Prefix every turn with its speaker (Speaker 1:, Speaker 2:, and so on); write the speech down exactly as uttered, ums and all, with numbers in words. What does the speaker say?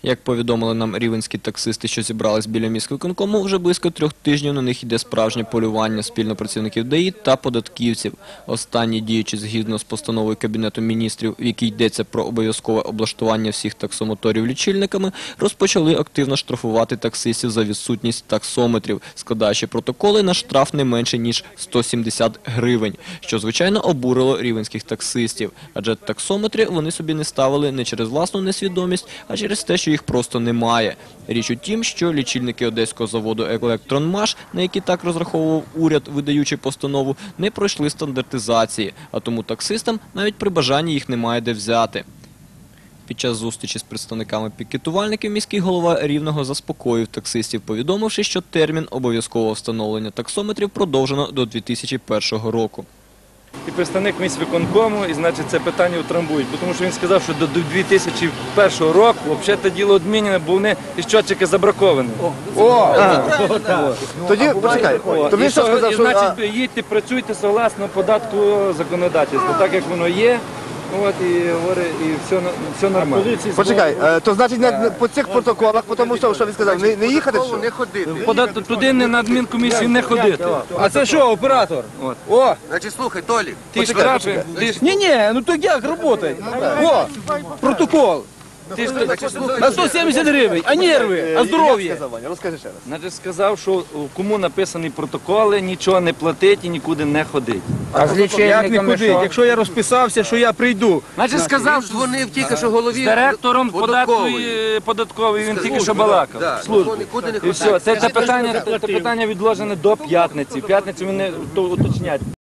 Speaker 1: Як повідомили нам рівненські таксисти, що зібрались біля міськвиконкому, вже близько трьох тижнів на них йде справжнє полювання спільно працівників ДАІ та податківців. Останні, діючи згідно з постановою Кабінету міністрів, в якій йдеться про обов'язкове облаштування всіх таксомоторів лічильниками, розпочали активно штрафувати таксистів за відсутність таксометрів, складаючи протоколи на штраф не менше, ніж сто сімдесят гривень, що, звичайно, обурило рівненських таксистів. Адже таксометри вони собі не ставили не через власну несвідомість, а через те, що їх просто немає. Річ у тім, що лічильники одеського заводу «Електронмаш», на які так розраховував уряд, видаючи постанову, не пройшли стандартизації, а тому таксистам навіть при бажанні їх немає де взяти. Під час зустрічі з представниками пікетувальників міський голова Рівного заспокоїв таксистів, повідомивши, що термін обов'язкового встановлення таксометрів продовжено до дві тисячі першого року.
Speaker 2: І представник міськвиконкому, і, значить, це питання утрамбують, тому що він сказав, що до дві тисячі першого року взагалі це діло відмінене, бо вони і щотчики забраковані.
Speaker 3: О! Тоді, почекай, то він що сказав, що...
Speaker 2: Значить, їдьте, працюйте согласно податкового законодавства, так як воно є. От, і говорить, і все, все нормально.
Speaker 3: Почекай, е, то значить не, по цих протоколах, по тому, що, що він сказав, не, не їхати? Що?
Speaker 4: Не ходити.
Speaker 2: Подат- Туди не на адмінкомісію не ходити.
Speaker 5: А це що, оператор?
Speaker 2: От.
Speaker 5: О!
Speaker 4: Значить, слухай, Толік,
Speaker 2: Ти штрафи, ти ж
Speaker 5: Ні-ні, ну так як працює? О, протокол.
Speaker 2: ти ж
Speaker 5: На сто сімдесят гривень, а нерви, а здоров'я.
Speaker 3: Як сказав, Ваня? Розкажи ще раз.
Speaker 2: Значить, сказав, що кому написані протоколи, нічого не платить і нікуди не ходить.
Speaker 5: А з як не ходить? Якщо я розписався, що я прийду.
Speaker 4: значить, сказав, дзвонив тільки що голові
Speaker 2: З директором
Speaker 4: податкової.
Speaker 2: податкової, податкової, він тільки що балакав.
Speaker 4: Да,
Speaker 2: Служби.
Speaker 4: нікуди не
Speaker 2: І
Speaker 4: ходить.
Speaker 2: все, це, це питання, це питання відложене до п'ятниці. В п'ятницю вони то уточнять.